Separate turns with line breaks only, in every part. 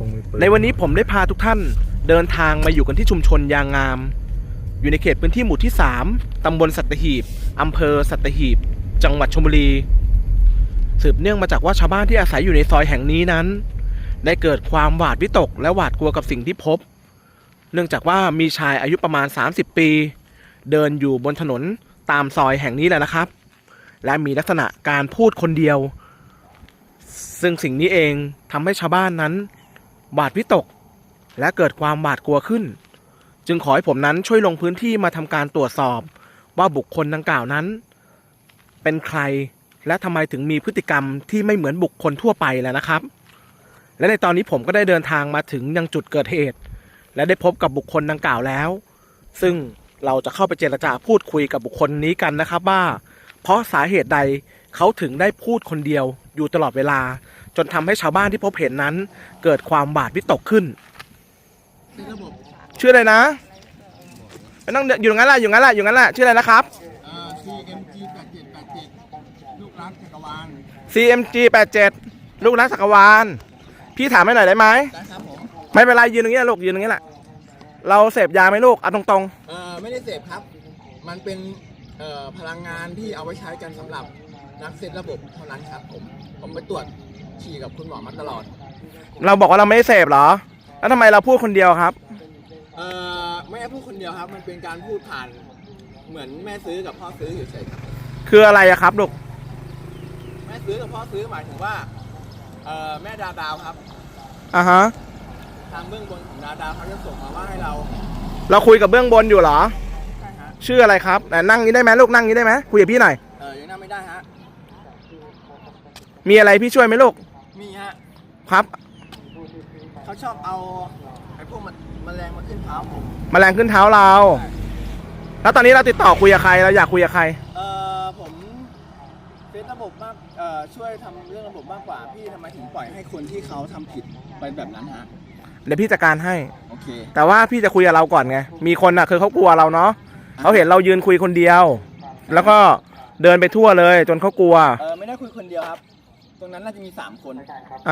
ในวันนี้ผมได้พาทุกท่านเดินทางมาอยู่กันที่ชุมชนยางงามอยู่ในเขตพื้นที่หมู่ที่3ตำบลสัตหีบอำเภอสัตหีบจังหวัดชลบุรีสืบเนื่องมาจากว่าชาวบ้านที่อาศัยอยู่ในซอยแห่งนี้นั้นได้เกิดความหวาดวิตกและหวาดกลัวกับสิ่งที่พบเนื่องจากว่ามีชายอายุประมาณ30 ปีเดินอยู่บนถนนตามซอยแห่งนี้แหละนะครับและมีลักษณะการพูดคนเดียวซึ่งสิ่งนี้เองทำให้ชาวบ้านนั้นหวาดวิตกและเกิดความหวาดกลัวขึ้นจึงขอให้ผมนั้นช่วยลงพื้นที่มาทำการตรวจสอบว่าบุคคลดังกล่าวนั้นเป็นใครและทำไมถึงมีพฤติกรรมที่ไม่เหมือนบุคคลทั่วไปแล้วนะครับและในตอนนี้ผมก็ได้เดินทางมาถึงยังจุดเกิดเหตุและได้พบกับบุคคลดังกล่าวแล้วซึ่งเราจะเข้าไปเจรจาพูดคุยกับบุคคลนี้กันนะครับว่าเพราะสาเหตุใดเขาถึงได้พูดคนเดียวอยู่ตลอดเวลาจนทำให้ชาวบ้านที่พบเห็นนั้นเกิดความหวาดวิตกขึ้นชื่ออะไรนะไม่ต้องอยู่งั้นแหละอยู่งั้นแหละอยู่งั้นแหละชื่ออะไรนะครับ
CMG 87ลูกรักจักรวาล
CMG 87ลูกรักจักรวาลพี่ถามให้หน่อยได้ไหม
ได้ครับผม
ไม่เป็นไรยืนตรงนี้ลูกยืนตรงนี้แหละเราเสพยาไหมลูกเอาตรง
ๆไม่ได้เสพครับมันเป็นพลังงานที่เอาไว้ใช้กันสำหรับนักเซตระบบเท่านั้นครับผมไปตรวจฉี่กับคุณหมอมาตลอด
เราบอกว่าเราไม่ได้เสพเหรอแล้วทำไมเราพูดคนเดียวครับ
ไม่ได้พูดคนเดียวครับมันเป็นการพูดผ่านเหมือนแม่ซื้อกับพ่อซื้อเฉยๆ
คืออะไรอะครับลูก
แม่ซื้อกับพ่อซื้อหมายถึงว่าแม่ดาวครับ
ฮะ
ทางเบื้องบนของดาวเขาจะส่งมาว่าให้เรา
คุยกับเบื้องบนอยู่เหรอ
ใช่ฮะ
ชื่ออะไรครับนั่งนี้ได้ไหมลูกนั่งนี้ได้ไหมคุยกับพี่หน่อย
ยังนั่งไม่ได้ฮะ
มีอะไรพี่ช่วยไหมลูก
มีฮะ
ครับ
เขาชอบเอาไอ้พวกแมลงมาขึ้นเท้าผม
แมลงขึ้นเท้าเราแล้วตอนนี้เราติดต่อคุยกับใครเราอยากคุยกับใคร
ผมเป็นระบบมากช่วยทำเรื่องระบบมากกว่าพี่ทำไมถึงปล่อยให้คนที่เขาทำผิดไปแบบนั้นฮะ
เดี๋ยวพี่จัดการให้
โอเค
แต่ว่าพี่จะคุยกับเราก่อนไงมีคนคือเขากลัวเราเนาะเขาเห็นเรายืนคุยคนเดียวแล้วก็เดินไปทั่วเลยจนเขากลัว
ไม่ได้คุยคนเดียวครับตรงนั้นน่าจะมี3 คน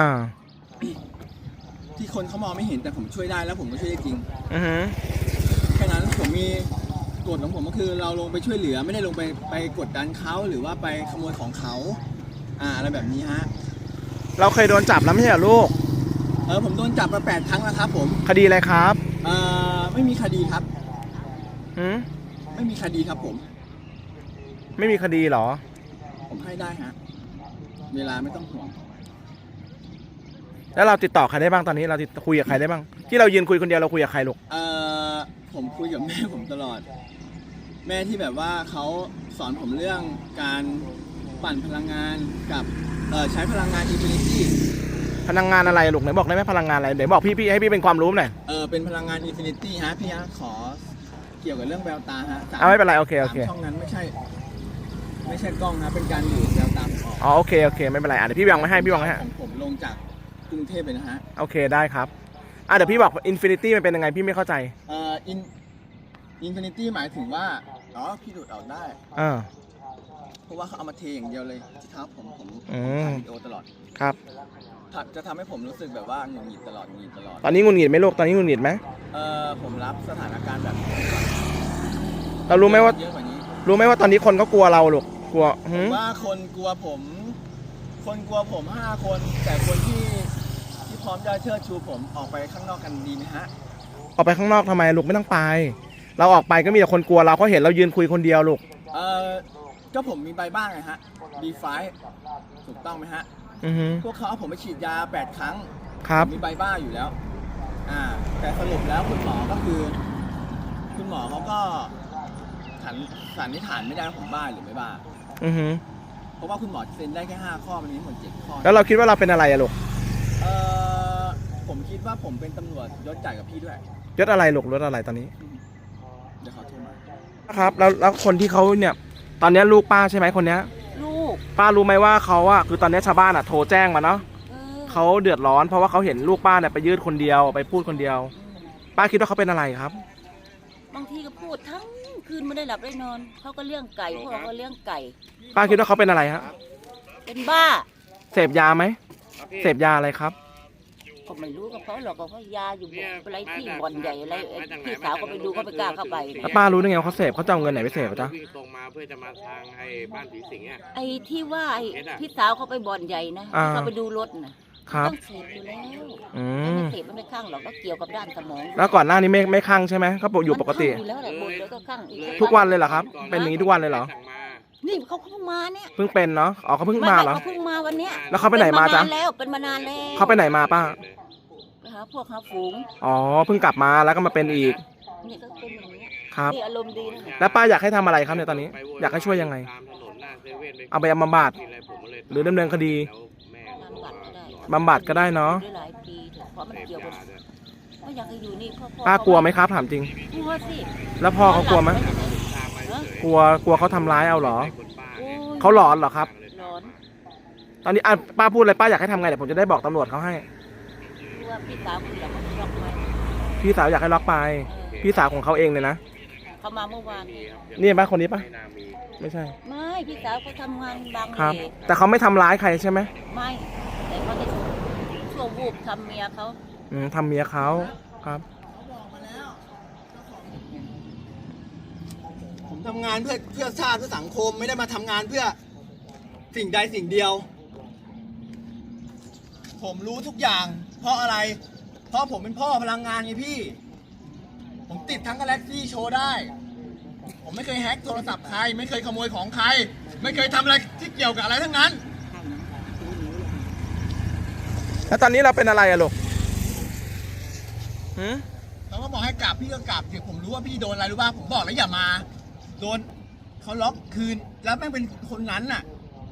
ที่คนเขามองไม่เห็นแต่ผมช่วยได้แล้วผมก็ช่วยได้จริงแค่นั้นผมมีกฎของผมก็คือเราลงไปช่วยเหลือไม่ได้ลงไปกดดันเขาหรือว่าไปขโมยของเขาอะไรแบบนี้ฮะ
เราเคยโดนจับแล้วไม่ใช่เหรอลูก
ผมโดนจับมา8 ครั้งแล้วครับผม
คดีอะไรครับ
ไม่มีคดีครับไม่มีคดีครับผม
ไม่มีคดีเหรอ
ผมให้ได้ฮะเวลาไม่ต้องห่วง
แล้วเราติดต่อใครได้บ้างตอนนี้เราคุยกับใครได้บ้างที่เรายืนคุยคนเดียวเราคุยกับใครลูก
ผมคุยกับแม่ผมตลอดแม่ที่แบบว่าเขาสอนผมเรื่องการปั่นพลังงานกับใช้พลังงานอินฟินิตี้
พลังงานอะไรลูกไหนบอกได้ไหมพลังงานอะไรไหนบอกพี่ให้พี่เป็นความรู้หน่อย
เป็นพลังงานอินฟินิตี้ฮะพี่ฮะขอเกี่ยวกับเรื่องแววตาฮะ
ไม่เป็นไรโอเค
ช่องนั้นไม่ใช่กล้องนะเป็นการดูดแววตา
โอเคไม่เป็นไรเดี๋ยวพี่วางไว้ให้
ผมลงจากกรุงเทพเลยนะฮะ
โอเคได้ครับเดี๋ยวพี่บอกอินฟินิตี้มันเป็นยังไงพี่ไม่เข้าใจ
อินฟินิตี้หมายถึงว่าพี่ดูดออกได้เพราะว่าเขาเอามาเทอย่างเดียวเลยที่เท้าผมถ่ายวิดีโอตลอด
ครับ
จะทำให้ผมรู้สึกแบบว่าหงุดหงิดตลอด
ตอนนี้หงุดหงิดไหมลูกตอนนี้หงุดหงิดไหม
ผมรับสถานการณ์แบบ
เรารู้ไหมว่าตอนนี้คนก็กลัวเราลูกกลัว
ว่าคนกลัวผม5 คนแต่คนที่พร้อมจะเชิดชูผมออกไปข้างนอกกันดีไหมฮะ
ออกไปข้างนอกทำไมลูกไม่ต้องไปเราออกไปก็มีแต่คนกลัวเราเขาเห็นเรายืนคุยคนเดียวลูก
ก็ผมมีใบบ้างไงฮะB5ถูกต้องไหมฮะพวกเขาเอาผมไปฉีดยา8 ครั้ง
ครับ
มีใบบ้าอยู่แล้วแต่สรุปแล้วคุณหมอเขาก็สันนิษฐานไม่ได้ว่าผมบ้าหรือไม่บ้าเพราะว่าคุณหมอเซ็นได้แค่5 ข้อมันมีหมด7 ข้อ
แล้วเราคิดว่าเราเป็นอะไรลูก
ผมคิดว่าผมเป็นตำรวจยศใหญ่กับพี่ด้วย
ยศอะไรลูกยศอะไรตอนนี้
เดี๋ยวเขาโทรมา
ครับแล้วคนที่เขาเนี่ยตอนนี้ลูกป้าใช่ไหมคนนี้
ลูก
ป้ารู้ไหมว่าเขาคือตอนนี้ชาวบ้านโทรแจ้งมาเนาะเขาเดือดร้อนเพราะว่าเขาเห็นลูกป้าเนี่ยไปยืดคนเดียวไปพูดคนเดียวป้าคิดว่าเขาเป็นอะไรครับ
บางทีก็พูดทั้งคืนไม่ได้หลับได้นอนเขาก็เลี้ยงไก่พวกเราก็เลี้ยงไก่
ป้าคิดว่าเขาเป็นอะไรฮะ
เป็นบ้า
เสพยาไหมเสพยาอะไรครับ
ก็ไม่รู้กับเขาหรอกก็เขายาอยู่อะไรที่บ่อนใหญ่อะไรพี่สาวก็ไปดูเขาไปกล้าเข้าไป
แล้วป้ารู้ได้ไงว่าเขาเสพเขาจะเอาเงินไหนไปเสพจ๊ะ
วิ่งตรงมาเพื่อจะมาทางไอ้บ้านผีสิงอ่ะ
ไอ้ที่ว่าไอ้พี่สาวเขาไปบ่อนใหญ่นะที่เขาไปดูรถนะครับ ต้องเสพอยู่แล้ว
อื
ไม่
ม
เสพมันไม่ข้างหรอกก็เกี่ยวกับด้านสมอง
แล้วก่อนหน้านี้ไม่คลั่งใช่ไหมเขาอยู่ปกติ
มันข้างอยู่แล้วแหละบ่นแล้วก็ข้างอีก
ทุกวันเลยเหรอครับ เป็นอย่างนี้ทุกวันเลยเหรอ
สั่งมา
นี่เขาเพิ่งมาเนี่ย
เพิ่งเป็นเนาะอ๋อเขาเพิ่งมาเหรอ
เขาเพิ่งมาวันเนี้ย
แล้วเขาไปไหนมาจ๊ะ
เป็นมานานแล้ว
เขาไปไหนมาป้า
ไปหาพวกหาฝูง
อ๋อเพิ่งกลับมาแล้วก็มาเป็นอีก
นี่ก็เป็นอย่างนี้
ครับ
นี่อารมณ์ดีนะ
แล้วป้าอยากให้ทำอะไรครับเนี่ยตอนนี้ อยากให้ช่วยยังไง
ตามถนนหน้าเซเว่น
เอาไปบำบัด
กินอะไรผมก็เลย
หรือดำเนินคดี
แล้วแม่
บำบัดก็ได้
บำบัดก็ได้เนาะ
ได้หลายปีเถอะเพราะมัน
เสพ
เกี่ยวกับ
ยาด้วย
ก็อยากให้อยู่นี่พ่อ
ป้ากลัวไหมครับถามจริง
กลัวสิ
แล้วพ่อเขากลัวไหม
ตามมาเฉย
กลัวเขาทำร้ายเอาเหรอ
ให้คนป้า
โอ้
เนี่ย
ย
เขาหลอนเหรอครับ
ร้อน
ตอนนี้ป้าพูดอะไรป้าอยากให้ทำไงเดี๋ยวผมจะได้บอกตำรวจเขาให้
กลัวพี่สาวคุณอยากมาล็อกไว้
พี่สาวอยากให้ล็อกไป พี่สาวของเขาเองเลยนะ
เขามาเมื่อวานนี้
นี่ป้าคนนี้ป้า
ไม่น่ามี
ไม่ใช่
ไม่พี่สาวเขาทำงานบาง
ครับ
เล
แต่เขาไม่ทำร้ายใครใช่ไหม
ไม่แต่เขาจะชั่ววูบทำเมียเขา
ทำเมียเขาครับ
ผมทำงานเพื่อชาติเพื่อสังคมไม่ได้มาทำงานเพื่อสิ่งใดสิ่งเดียว ผมรู้ทุกอย่าง เพราะอะไร เพราะผมเป็นพ่อพลังงานไงพี่ ผมติดทั้งกาแล็กซี่โชว์ได้ ผมไม่เคยแฮ็กโทรศัพท์ใคร ไม่เคยขโมยของใคร ไม่เคยทำอะไรที่เกี่ยวกับอะไรทั้งนั้น
แล้วตอนนี้เราเป็นอะไรอะลูกหืม
เขาก็บอกให้กลับพี่ก็กลับเดี๋ยวผมรู้ว่าพี่โดนอะไรรู้ป่ะผมบอกแล้วอย่ามา โดนเขาล็อกคืนแล้วแม่งเป็นคนนั้นน่ะ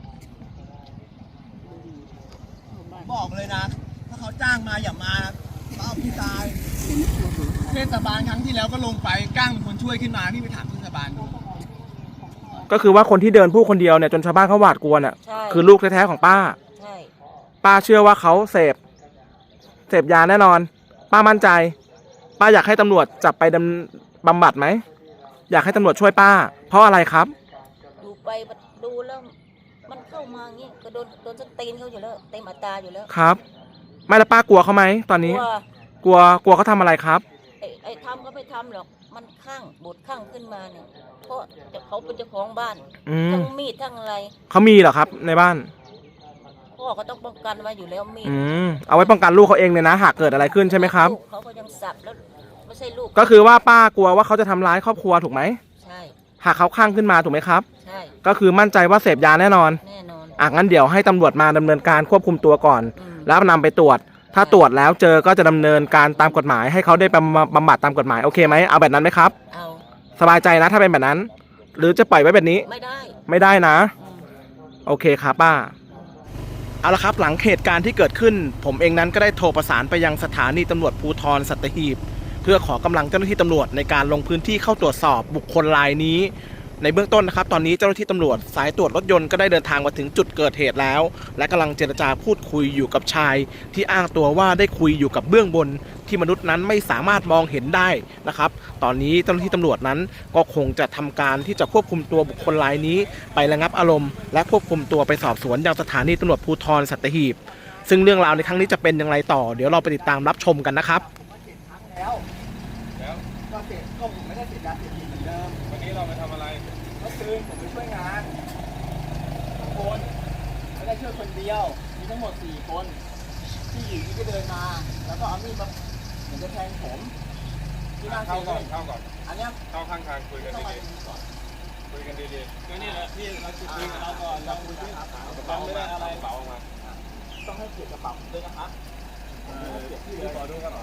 บอกเลยนะ ถ้าเขาจ้างมาอย่ามาเอาพี่ตายเทศบาลครั้งที่แล้วก็ลงไปก้างเป็นคนช่วยขึ้นมาพี่ไปถามเทศบาลดู
ก็คือว่าคนที่เดินพูดคนเดียวเนี่ยจนชาวบ้านเขาหวาดกลัวเนี่ย
ใช่
คือลูกแท้ๆของป้า
ใช่
ป้าเชื่อว่าเขาเสพยาแน่นอน ป้ามั่นใจ ป้าอยากให้ตำรวจจับไปบำบัดไหม อยากให้ตำรวจช่วยป้า เพราะอะไรครับ
ดูไปดูแล้วมันเข้ามาอย่างงี้ก็โดนสตีนเขาอยู่แล้วเต็มอัตราอยู่แล้ว
ครับ ไม่แล้วป้ากลัวเขาไหมตอนนี้
กลัว
กลัวเขาทำอะไรครับ
ไอ้ทำก็ไม่ทำหรอกมันข้างบดข้างขึ้นมาเนี่ยเพราะเขาเป็นเจ้าของบ้าน
อืม
ทั้งมีดทั้งอะไร
เขามีเหรอครับในบ้าน
พ่อเขาต้องป้องกันไว้อยู่แล้วมีด
เอาไว้ป้องกันลูกเขาเองเลยนะ หากเกิดอะไรขึ้นใช่ไหมครับ
ลูกเขาก็ยังสับแล้วไม่ใช่ลูก
ก็คือว่าป้ากลัวว่าเขาจะทำร้ายครอบครัวถูกไหม
ใช่
หากเขาคลั่งขึ้นมาถูกไหมครับ
ใช่
ก็คือมั่นใจว่าเสพยาแน่นอน
แน่นอน
งั้นเดี๋ยวให้ตำรวจมาดำเนินการควบคุมตัวก่อน
อืม
แล้วนำไปตรวจ ถ้าตรวจแล้วเจอก็จะดำเนินการตามกฎหมาย ให้เขาได้บำบัดตามกฎหมายโอเคไหมเอาแบบนั้นไหมครับ
เอา
สบายใจนะถ้าเป็นแบบนั้น หรือจะปล่อยไว้แบบนี้
ไม่ได้
ไม่ได้นะ
อืม
โอเคครับป้า เอาละครับหลังเหตุการณ์ที่เกิดขึ้น ผมเองนั้นก็ได้โทรประสานไปยังสถานีตำรวจภูธรสัตหีบ เพื่อขอกำลังเจ้าหน้าที่ตำรวจในการลงพื้นที่เข้าตรวจสอบบุคคลรายนี้ ในเบื้องต้นนะครับตอนนี้เจ้าหน้าที่ตำรวจสายตรวจรถยนต์ก็ได้เดินทางมาถึงจุดเกิดเหตุแล้ว และกำลังเจรจาพูดคุยอยู่กับชาย ที่อ้างตัวว่าได้คุยอยู่กับเบื้องบน ที่มนุษย์นั้นไม่สามารถมองเห็นได้นะครับตอนนี้เจ้าหน้าที่ตำรวจนั้นก็คงจะทำการที่จะควบคุมตัวบุคคลรายนี้ ไประงับอารมณ์และควบคุมตัวไปสอบสวนยังสถานีตำรวจภูธรสัตหีบ ซึ่งเรื่องราวในครั้งนี้จะเป็นอย่างไรต่อ เดี๋ยวเราไปติดตามรับชมกันนะครับ
แล้วก็เสพก็ผมไม่ได้เสพยาเสพติดเหมือนเดิม
วันนี้เราไปทำอะไร
เมื่อคืนผมไปช่วยงานทุกคนไม่ได้ช่วยคนเดียว มีทั้งหมด4 คนที่อยู่ที่ก็เดินมา แล้วก็เอามีดมาเหมือนจะแทงผมที่หน้าเซ
เข้าก่อน
เว่น
เข้าก่อน
อันเนี้ย
เข้าข้างทางคุยกัน
ต้องมา
ดี
ตรงนี้ก่อน
ๆคุยกันดีๆก็นี่แหละพี่เราจุด
คุยกับเราก่อนเราคุยที่
กระเป๋าไม่ได้อะไรกระเป๋าออกมา
ต้องให้เกียรติกระเป๋าผมด้วยนะครับให้เกียรติพี่เลย
ขอดูกระเป๋า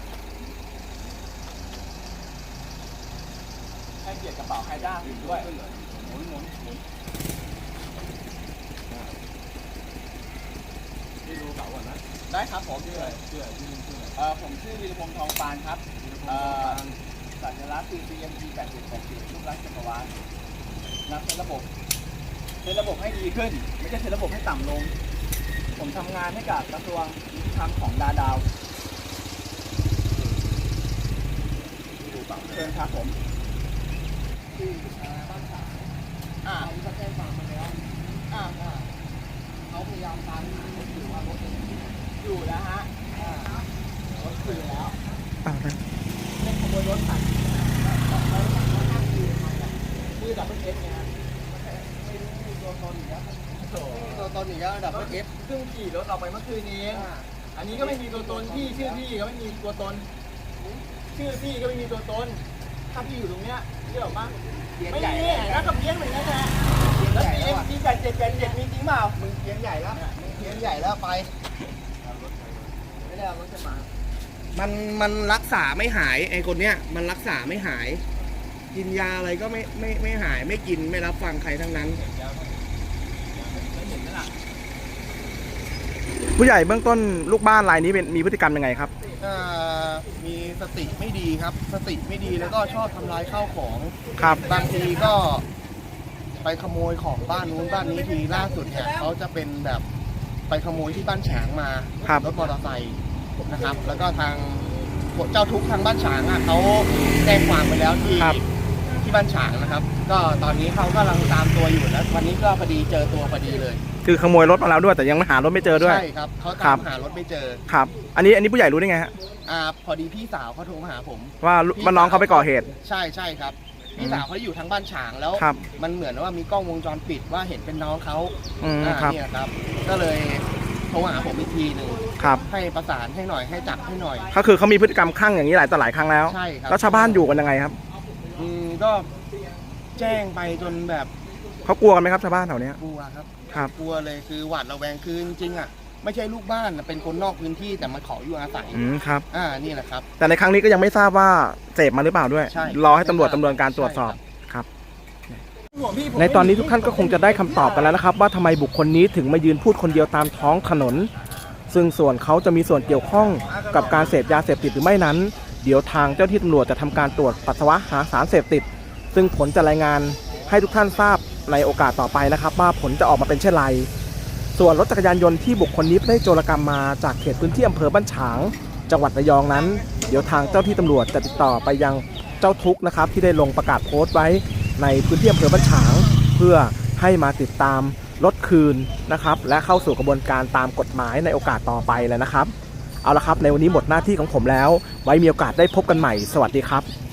ให้เกียรติกระเป๋าใครจ้างอื่นด้วยพี่ดูกระเป๋าก่อนนะได้ครับผมชื่ออะไรผมชื่อวีรพงษ์ทองปานครับสัญลักษณ์คือ CMG 8780รูปลักษณ์จักรวาลนับเป็นระบบให้ดีขึ้น ไม่ใช่เป็นระบบให้ต่ำลง ผมทำงานให้กับกระทรวงยุติธรรมของดาวเชิญครับผมที่บ้านฉางเขาจะแจ้งความมาแล้วเขาพยายามตามหารถอยู่ว่ารถอยู่นะฮะคืนแล้ว
อ่าฮะ
เล่นขโมยรถตัดคือดับเบิลเอฟไงครับไม่มีตัวตนอีกแล้วตัวตนอีกแล้วดับเบิลเอฟเพิ่งขี่รถออกไปเมื่อคืนนี้อันนี้ก็ไม่มีตัวตนพี่ชื่อพี่ก็ไม่มีตัวตนชื่อพี่ก็ไม่มีตัวตนถ้าพี่อยู่ตรงเนี้ยเรื่องบ้างไม่มีแล้วก็เพี้ยนเหมือนกันนะแล้วเอ็มพี8787มีจริงเปล่ามึงเพี้ยนใหญ่แล้วมึงเพี้ยนใหญ่แล้วไปไม่ได้เอารถจะมา
มันรักษาไม่หายไอ้คนเนี้ยมันรักษาไม่หาย กินยาอะไรก็ไม่หายไม่กินไม่รับฟังใครทั้งนั้น ผู้ใหญ่เบื้องต้นลูกบ้านรายนี้มีพฤติกรรมยังไงครับ
มีสติไม่ดีครับสติไม่ดีแล้วก็ชอบทำลายข้าวของ
ครับ
บางทีก็ไปขโมยของบ้านนู้นบ้านนี้ทีล่าสุดเนี่ยเขาจะเป็นแบบไปขโมยที่บ้านฉางมา
ครับ
รถมอเตอร์ไซค์นะครับ แล้วก็ทางเจ้าทุกข์ทางบ้านฉางเขาแจ้งความไปแล้วที่บ้านฉางนะครับ ก็ตอนนี้เขากำลังตามตัวอยู่แล้ววันนี้ก็พอดีเจอตัวพอดีเลย
คือขโมยรถมาแล้วด้วยแต่ยังหารถไม่เจอด้วย
ใช่ครับเขา
ครั
ตา
บ
มหารถไม่เจอ
ครับ อันนี้ผู้ใหญ่รู้ได้ไงฮะ
พอดีพี่สาวเขาโทรมาหาผม
ว่าน้องเขาไปก่อเหตุ
ใช่ครับพี่สาวเขาอยู่ทางบ้านฉางแล้ว
ครับ
มันเหมือนว่ามีกล้องวงจรปิดว่าเห็นเป็นน้องเขา
ครับ
เนี่ยครับ ก็เลยโทรหาผมอีกทีหนึ่ง
ครับ
ให้ประสานให้หน่อยให้จับให้หน่อย
ก็คือเขามีพฤติกรรมคลั่งอย่างนี้หลายต่อหลายครั้งแล้ว
ใช่ครับ
แล้วชาวบ้านอยู่กันยังไงครับ
ก็แจ้งไปจนแบบ
เขากลัวกันไหมครับชาวบ้านแถวเนี้ย
กลัวครับ
ครับ
กลัวเลยคือหวาดระแวงคือจริงๆอ่ะไม่ใช่ลูกบ้านเป็นคนนอกพื้นที่แต่มาขออยู่อาศัย
ครับ
นี่แหละครับ
แต่ในครั้งนี้ก็ยังไม่ทราบว่าเสพมาหรือเปล่าด้วย
ใช่
รอให้ตำรวจดำเนินการตรวจสอบ
ใช่ครับ
ครับ ในตอนนี้ทุกท่านก็คงจะได้คำตอบกันแล้วนะครับว่าทำไมบุคคลนี้ถึงมายืนพูดคนเดียวตามท้องถนน ซึ่งส่วนเขาจะมีส่วนเกี่ยวข้องกับการเสพยาเสพติดหรือไม่นั้น เดี๋ยวทางเจ้าที่ตำรวจจะทำการตรวจปัสสาวะหาสารเสพติด ซึ่งผลจะรายงานให้ทุกท่านทราบในโอกาสต่อไปนะครับว่าผลจะออกมาเป็นเช่นไร ส่วนรถจักรยานยนต์ที่บุคคลนี้ได้โจรกรรมมาจากเขตพื้นที่อำเภอบ้านฉางจังหวัดระยองนั้น เดี๋ยวทางเจ้าที่ตำรวจจะติดต่อไปยังเจ้าทุกข์นะครับที่ได้ลงประกาศโพสต์ไว้ในพื้นที่อำเภอบ้านฉางเพื่อให้มาติดตามรถคืนนะครับและเข้าสู่กระบวนการตามกฎหมายในโอกาสต่อไปเลยนะครับเอาละครับในวันนี้หมดหน้าที่ของผมแล้วไว้มีโอกาสได้พบกันใหม่สวัสดีครับ